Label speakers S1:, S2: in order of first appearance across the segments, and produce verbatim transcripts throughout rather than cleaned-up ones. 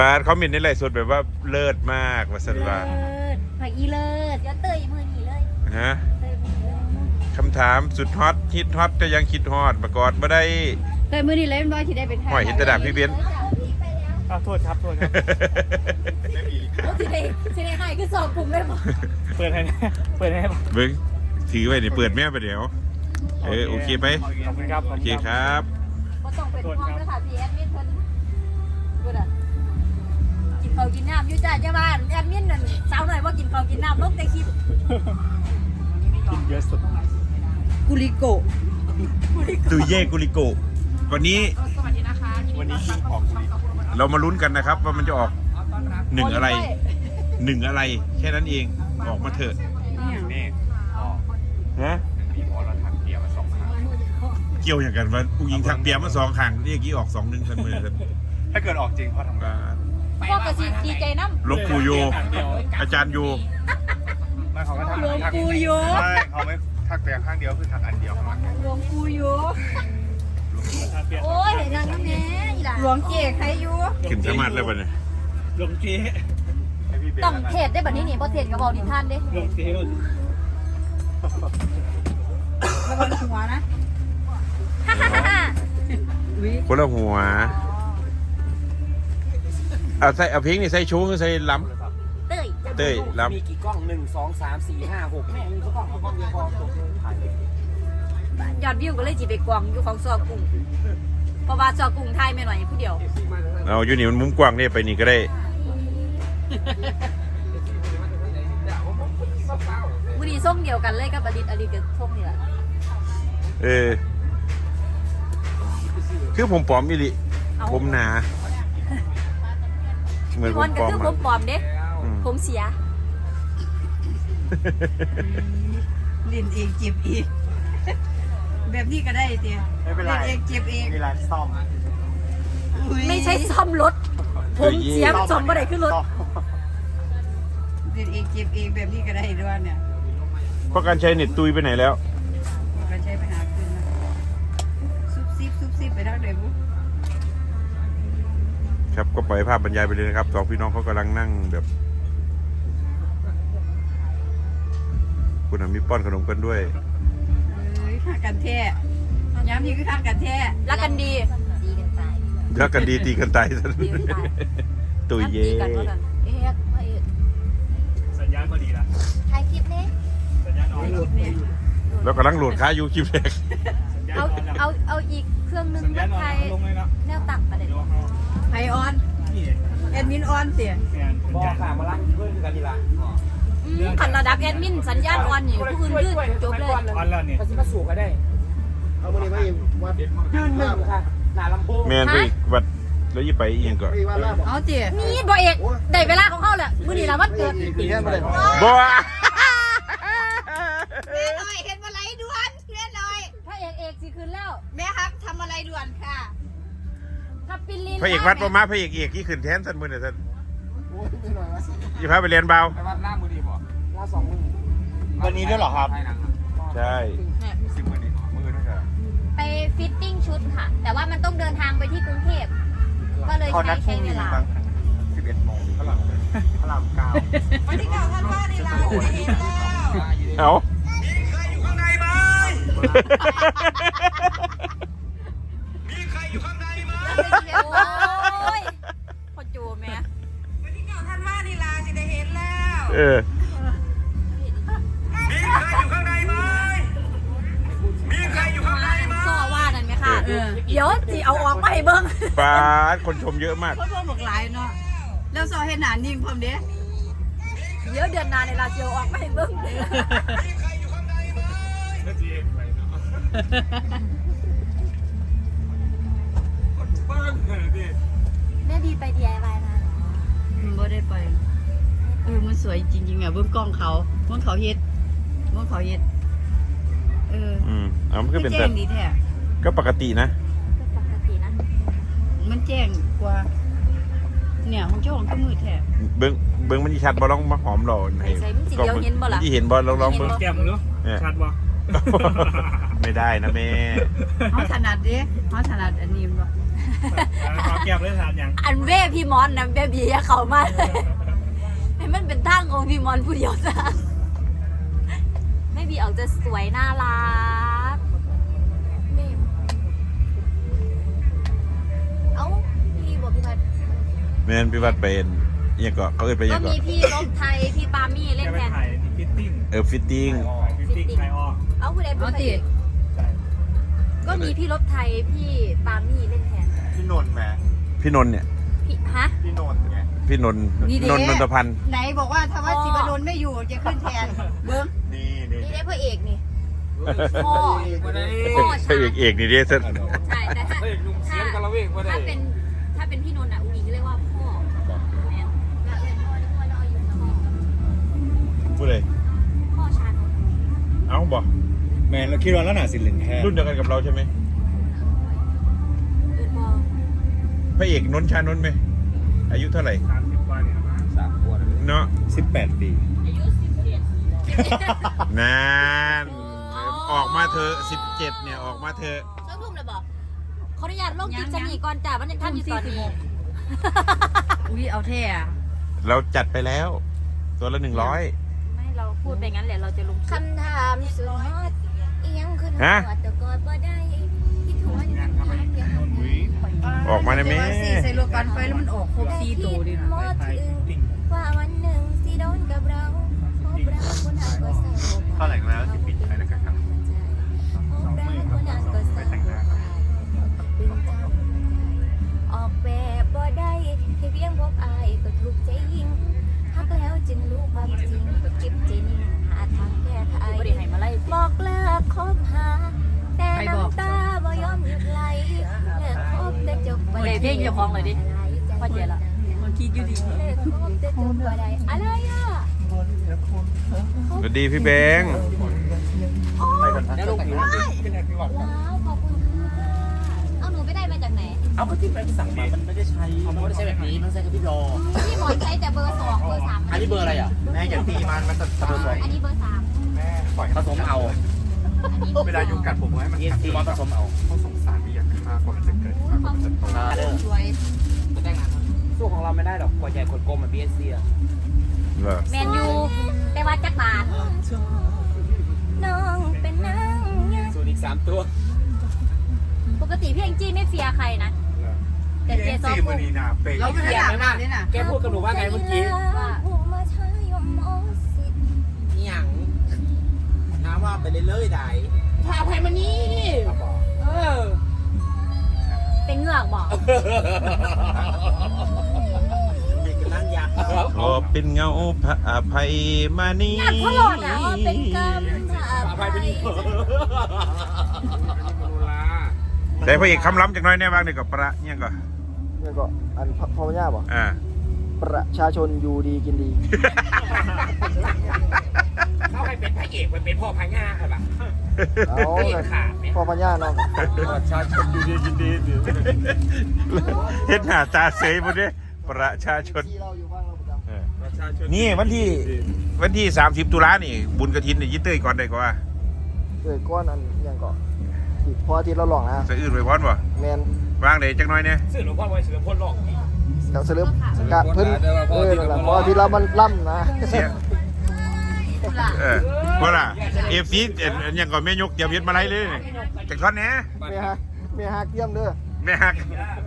S1: เขามินในไลฟ์สดแบบว่าเลิศมากว่าสันว่า
S2: ผักอีเลิศเดี๋ยวเตยมือหนีเลย
S1: ฮะคำถามสุดฮอตฮิตฮอตก็ยังคิดฮอตประกอดมาได้
S2: เตยมือหนีเลยมันว่าที่ได้เป็นไทย
S1: หอยเห็นตะดาพี่เบน
S3: โทษครับโทษครับ
S2: ที่ได้ที่ได้ให้คือสอบกลุ่มได้ปะ
S3: เปิดให้เปิดให้
S1: เบิ้งถือไว้เนี่ยเปิดแม่ไปเดี๋ยวเออโอเคไหม
S3: ขอบคุณครับ
S1: โอเคครับ
S2: ก็ต้องเป็นห้องด้วยค่ะพี่แอดมินเพิ่นกูด่ะกินข้าวกินน้ำอยู่จ้าเจ้าบ้านแอดมินนั่นสาวหน่อยว่ากินข้าวกินน้ำลบแต่คลิป
S3: กินเยอะสุด
S2: กุลิโก
S1: ตุยเย่กุลิโกวันนี้
S3: วันนี้กินออก
S1: เรามาลุ้นกันนะครับว่ามันจะออกหนึ่งอะไรหนึ่งอะไรแค่นั้นเองออกมาเถอะ
S3: นี่
S1: ฮะ
S3: มีพอเราถักเปียมาสองครั้ง
S1: เกี่ยวอย่างกันว่าผู้หญิงถักเปียมาสองครั้งเรียกกี้ออกสองหนึ่งกันมือกัน
S3: ถ้าเกิดออกจริงพ่อทำงาน
S2: พ่อกระสีดีใจน้ำ
S1: หลวงปู่โยอาจารย์โย
S3: ไม่เขาก็ทัก
S2: หลวงปู่โย
S3: ไม่เขาไม่ทักแต่ข้างเดียวคือทักอันเดียวข้างหลัง
S2: หลวงปู่โยโอ้ยนางน้ำแน่หลวงเจ๊ใครอยู่
S1: ขึ้นสมาธิแล้วป่ะเนี่ย
S3: หลวงเจ๊
S2: ต้องเทศได้แบบนี้นี่เพราะเทศกับบอกดิท่านเด้
S3: หลวงเจ๊
S2: แล้วก็หัวนะ
S1: คนละหัวเอาใส่เอาพิงนี่ใส่ชูใส่ล้ำ
S2: เต้ย
S1: เต้ยล้ำ
S4: มีกี่กล้องหนึ่งสองสามสี่ห้าหกแม่มีกี่กล้องกี่กล้องเดียวพอจบถ่ายเลย
S2: ยอดวิวก็เลยจีไปกวางอยู่ของซอกุ้งเพราะว่าซอกุ้งไทยไม่หน่อยผู้เดียว
S1: เอาอยู่นี่มันมุมกว้างเนี่ยไปนี่ก็ได้
S2: บุรีส้มเดียวกันเลยกับอดิตอดิตกับส้มนี่แหละ
S1: เออคือผมปลอมอีหลิผมหนาเหมือนผมปลอม
S2: คือผมปลอมเด้ผมเสีย
S5: เล่นเองเจ็บเองแบบนี้ก็ได้เตี้ยเล่นเองเจ็บเอง
S3: มีร้านซ่อม
S2: ไม่ใช่ซ่อมรถผมเสียซ่อมไม่ได้ขึ้นรถ
S5: เล่นเองเจ็บเองแบบนี้ก็ได้ด้วยเนี่ย
S1: เพราะการใช้เน็ตตุยไปไหนแล้ว
S5: การใช้ไปหาคืนนะซุบซิบซุบซิบไปทางไหนบุ๊
S1: ครับก็ปล่อยภาพบรรยายไปเลยนะครับสองพี่น้องเขากำลังนั่งแบบคุณมีป้อนขนมกันด้วย
S5: เอ้ยฆ่ากันแท้ย้ำนี่คือฆ่ากันแท้
S2: รักกันดีตีกันตาย
S1: รักกันดีตีกันตายตุยเย่
S3: สัญญาณพอดีละ
S2: ถ่ายคลิปนี้
S3: สัญญาณออน
S1: แล้วกำลังโหลดค้าอยู่คลิปแรก
S2: เอาเอาเอาอีกเครื่องนึงมาถ่ายแนวตักประเด็น
S5: ไอออนแอดมินออนเสีย
S4: บอกค่ะมาล้างเพื่อนกันดีละ
S2: ขันระดับแอดมินสัญญาณออนอยู่ผู้อื่นยืดจบเลย
S3: ออนแล้วเนี่ย
S4: ภาษีมาสู่ก็ได้เอามาเนี่ยมาอีวัดยืนหนึ่งค่ะหน้าลำโพง
S1: แมนไปวัดแล้วยี่ไปอีกอย่างก่อน
S5: เอาเจี๊ย
S2: นี่บ่เอกได้เวลาของเขาแหละมื้อนี้ละวันเกิด
S1: บ่
S5: แม่หน่อยเห็นอะไรด่วนแม่หน่อย
S2: พระเอกเอกสิคืนแล้ว
S5: แม่ครับทำอะไรด่วนค่ะ
S2: ทับปิลิน
S1: พระเอกวัดประมาพระเอกเอกที่ขึ้นแทนสันมือเนี่ยสันยี่พาไปเรียนเบา
S4: ไปวัดล่ามือดีบ่ล่าสองมือ
S3: วันนี้ด้วยเหรอครับ
S1: ใช่
S3: สิบมือนี้มือด้วยกัน
S2: ไปฟิตติ้งชุดค่ะแต่ว่ามันต้องเดินทางไปที่กรุงเทพก็เลยใช้ใช้เวลา
S3: สิบเอ็ดโมงพระรามพระรามเก้า
S5: วันที่เก้าท่านว่าในเราเห็นแล้ว
S1: เอา
S3: มีใครอยู่ข้างในไหมมีใครอยู่ข้างในไหม
S2: โอ้ยพอจูแม่
S5: วันที่เก้าท่านว่าในเราจะได้เห็นแล้ว
S1: เออ
S3: มีใครอยู่ข้างในไหมมีใครอยู่ข้างในไหม
S2: ซ้อว่านั่นไหมคะเดี๋ยวจีเอาออกมาให้เบิ้ง
S1: ฟ้าคนชมเยอะมาก
S5: คนชมบอกหลายเนาะแล้วซอเห็นหนานิ่งพร้อมเด้
S2: เดี๋ยวเดือนหน้าในลาเจียวออกมาให้เบิ้งแม่บีไป ดี ไอ วาย มา
S5: ไม่ได้ไปเออมันสวยจริงๆอ่ะเบื้องกล้องเขาเบื้องเขาเฮ็ดเบื้องเขาเฮ็ดเออ
S1: อืมเอามันก็เป็นแต่
S5: ดีแท้
S1: ก็ปกตินะ
S2: ก็ปกตินะ
S5: มันแจ้งกว่าเนี่ยของเจ้าของก็มือแท้
S1: เบิ้งเบิ้งมันชัดบ่ลองมาหอมหล่อ
S2: ไหนก็มันเห็นบ่ล่ะ
S1: ที่เห็นบ่ลองลองเบิ้ง
S3: แก้มเนาะชัดบ่
S1: ไม่ได้นะแม่
S5: เขาถนัดดิเขาถนัดอันนี้บ่
S3: ขอแก้วเลยถามยัง
S2: อันเว่พี่มอนนะเบบีอย่าเข้ามาเลยให้มันเป็นทางของพี่มอนผู้เดียวซะไม่บีออกจะสวยน่ารักเอ้าพี่บอกพี่พัด
S1: แม่นพี่วัดเป็นยังก็เขาเอ่ยไปยั
S2: ก็
S1: งก็
S2: มีพี่ลบไทยพี่ปามี่เล่น
S3: แกไป
S2: แทน
S3: ถ่ายฟิตติ้ง
S1: เออฟิตติ้ง
S3: ฟิตติ้งถ่ายออก
S2: เอ้าผู้ใดเป็น
S5: เอา
S2: พระ
S5: ติ
S2: เอก
S3: ใช่
S2: ก็มีพี่ลบไทยพี่ปามี่เล่นแทน
S6: พี่นนท์แหม
S1: พี่นนท์เนี่ย
S2: พี่ฮะ
S6: พี่นนท์ไง
S1: พี่นนท์นนท์นนทพันธ์
S5: ไหนบอกว่าถ้าว่าสิบดลไม่อยู่จะขึ้นแทนเบิ้ง
S6: นี่นี่
S2: นี่ได้พระเอกนี่พ่อ
S1: พระเอกเอกนี่เด้ท่าน
S2: ใช่แต่ถ้าถ้าถ้าเป็นถ้าเป็นพี่นนท์อ่ะอุ้งอิงเรียกว่าพ่อแม่แล้วเรียกพ่อเรียกพ่อแล้วอายุพ่อ
S1: พูดเลย
S2: พ่อชานนท์
S1: เอ้าบอก
S6: แมนเราคิดว่าแล้วหนาสินเหลืองแท้
S1: รุ่นเดียวกันกับเราใช่ไหม
S2: เอิญพ่อ
S1: พระเอกนนท์ชานนท์ไหมอายุเท่าไหร่
S3: สามสิบกว่าเนี่ยนะ
S4: สามขวด
S1: เนาะ
S6: สิบแปดปี
S2: อายุสิบเจ็ด
S1: นานออกมาเธอะสิบเจ็ดเนี่ยออกมาเธอะ
S2: ช่างทุ่มเลยบอกขออนุญาตลงจิตสนีก่อนจ้ามันยังท่านอยู่ตอนนี้
S5: อุ้ยเอาแท้อะ
S1: เราจัดไปแล้ว ตัวละหนึ่งร้อย
S2: ไม่เราพูดไปงั้นแหละเราจะลงคำถามสุดฮอตอีหยังขึ้น
S1: ฮะ
S2: หัวแต่กอดบ่ได้ที่ทวนยังทำยัง
S1: ออกมาได้ไหม
S5: แต่ว่าสี่ใส่รวมกันไฟแล้วมันออกครบสี่ตัวดินะ
S2: หมดถึงว่าวันหนึ่งสิโดนกับเราพบรักคนหาก็เศร้า
S6: เท่าไหร่แล้วสิบปีไปแล้วกันครับ
S2: พบรักคนหาก็เศร้าเป็นเจ้าออกแบบบ่ได้ที่เพียงพบอายก็ถูกใจยิ่งฮักแล้วจึงรู้ความจริงก็เก็บใจนิ่งหาทางแก้ไขบอกเลิกคบหาแต่น้ำตาบ่ยอมหยุดไหลเลิกคบแต่จบบ่ได้
S5: เพ่งเจ้าของเลยดิพ่อเจ๋ละมันคิดอยู่ดี
S2: เลิกคบแต่จบบ่ได้อะไรอ่ะ
S1: สวัสดีพี่แบงค์
S6: ไปกัน
S4: แล้วลงผิว
S2: ว้าวขอบคุณค่ะเอาหนูไปได้มาจากไหน
S4: เอาก็ที่ไปสั่งมามันไม่ได้ใช้มันไม่ได้ใช้แบบนี้มันใช้กับพี่รอ
S2: พี่หมอนใช้แต่เบอร์สองเบอร์สาม
S4: อันนี้เบอร์อะไรอ่ะ
S6: แม่อย่าตีมันมันจะตาย
S2: อันนี้เบอร์สาม
S6: แม่ปล่อย
S4: ผสมเอา
S2: อันนี้
S6: เวลายุงกัดผมให้มัน
S4: เอสซีผสมเอา
S6: เขาสงสารไม่อยากฆ่ากว่ามันจะเกิดฆ่ากว่ามันจะโต
S4: เด้อ
S5: สวย
S4: สู้ของเราไม่ได้หรอกกว่าใหญ่คนกลมเหมือนบีเอสซีอ่ะ
S1: เหรอ
S2: แมนยูแต่ว่าจักบาทน้องเป็นนางยัง
S4: สูตรอีกสามตัว
S2: ปกติพี่แองจี้ไม่เฟียร์ใครนะ แต่เจซอ
S6: ซี
S2: ฟ
S6: มันนี่นะเป๊ะ
S5: เราไม่ได้หลับหลับนี่นะ
S4: แกพูดกับหนูว่าไงเมื่อกี้
S2: ว่า
S4: นี่หยังน้ำว่าไปเรื่อยๆได้พาภัยมานี่เออ
S2: เป็นเหงือกบอก
S4: เด็กกำลังอยาก
S1: ขอเป็นเงาพระอภัยมานี
S2: อยากพ่อหลอดนะว่าเป็นกรรม
S4: พาภัยมานี่
S1: แต่พระเอกคำล้ำจากหน้อยแน่บ้างเด็กกับประเนี่ยก็
S7: นี่ก็อันพ่อพ่อย่าบอก
S1: อ่า
S7: ประชาชนอยู่ดีกินดี
S4: เขาให้เป็นพระเอกไปเป็นพ่อพญาครับล่ะ
S7: เอา
S4: พระเอ
S7: เล
S4: ก
S7: ย
S4: ขาดไหม
S7: พ่อพ่อย่าเนาะ
S6: ประชาชนอยู่ดีกินดี
S1: เห็นหน้าตาเสยหมดเลยประชาชน
S7: ที่เราอยู่บ้างเราประจำ
S1: เออ
S6: ประชาชน
S1: นี่วันที่วันที่สามสิบตุลานี่ บุญกระถินนี่ยิ่เต้ยก่อนได้กว่า
S7: เกิดก้อนอันอยังก็อีกพออาทิตย์เราหลอกนะ
S1: สะอื้นไปพร้อนบ่
S7: แมน
S1: วางเดี๋ยวจักหน้อยเนี่ย
S3: สื่อหลวงพ่อไว้สื่อหลวงพ่อหลอก
S7: แล้วสลึบกะเพิ่นเออนั่นแหละพออาทิตย์เรามันล่ำนะ
S1: เสียเออเพราะล่ะเอฟซียังก่อนแม่ยกเตรียมเย็ดมาไล่เลยนี่จากท่อนเนี้ย
S7: เมียฮักเมียฮักเยี่ยมเด้อ
S1: แม่ฮัก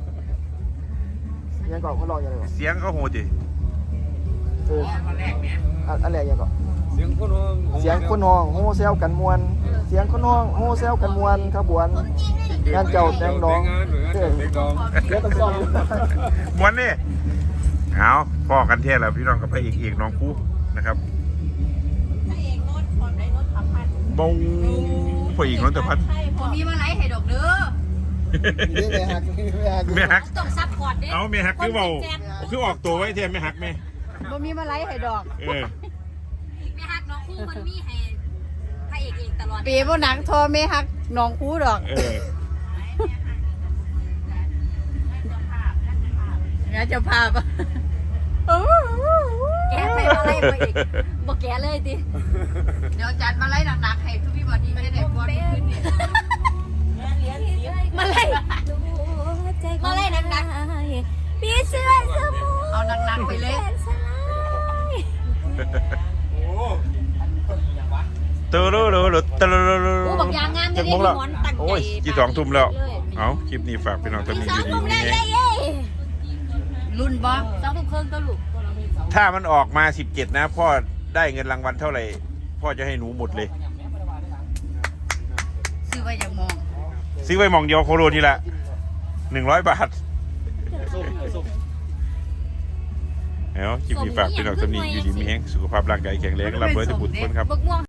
S7: อยังก่อนเขาหลอกอยังไงวะ
S1: เสียงเขาโหดดิ
S7: เออ
S4: ตอนแรกเนี่ย
S7: อันอันแรกอยังก่อน
S6: เสียงคนร้อง
S7: เสียงคนห้องโฮเซลกันมวน เสียงคนห้องโฮเซลกันมวนขบวนงานเจ้าแดงดองเออ
S6: เด็กดอง
S7: เดี๋ยวต้องซ่อมอยู่
S1: มวนนี่เอาพ่อกันเทศแล้วพี่น้องกับพระเอกเอกน้องคู่นะครับบงพระเอกน้องตะพัด
S5: ผมมีมาไลฟ์ให้ดอกเด้อ
S7: นี่เมียฮักนี่เมียฮัก
S1: แม่ฮัก
S2: ต้องซับพอร์ตด้วย
S1: เอาแม่ฮักคือเบาคือออกตัวไว้เทียมแม่ฮักแม่
S5: ผมมีมาไลฟ์ให้ดอก
S1: เออ
S2: แม่ฮักน้องคู่มันมีให้พระเอกเอกตลอด
S5: เปย์บ่หนังทอเมฮักน้องคูดอก
S1: เออ
S5: งั้นจะพาปะ
S2: แกไปมาไล่พระเอกบอกแกเลยดิ
S5: เดี๋ยวจัดมาไล่หนักๆให้ทุกพี่บอดี้ไม่ได้บอลขึ้นนี่
S2: มาไล่มานักๆพี่เสื้อสมุ
S5: เอาหนักๆไปเลย
S2: แขนซ้าย
S1: ตูรูรูรูตูรูรู
S2: โอ้บอกยางงาม
S1: จั
S2: จะ
S1: ง
S2: เรีย
S1: ม
S2: ก
S1: งแล้ว
S2: หมอนตั้งใจ
S1: โอ้ยกี่สองทุ่มแล้ว เอาคลิปนี้ฝากพี่น้องตอนนี้
S2: ส
S1: อ
S2: อง
S1: ยู่ดี
S2: ทุ่ม
S1: มี
S2: แล้ว
S1: แฮ
S2: เย้
S1: ง
S2: เย้
S5: รุ่นบ่
S2: สองทุ่มครึ่งก็ลูก
S1: ถ้ามันออกมาสิบเจ็ดนะ พ่อได้เงินรางวัลเท่าไหร่ พ่อจะให้หนูหมดเลย
S5: ซื้อไว้อย่างมอง
S1: ซื้อไว้หมองเดียวโคโรทีละหนึ่งร้อยบาทเอ้าคลิปนี้ฝากพี่น้องตอนนี้อยู่ดีมีแฮงสุขภาพร่างกายแข็งแรงร่ำรวยทุกบุญทุกคนครับ
S2: บักม่วง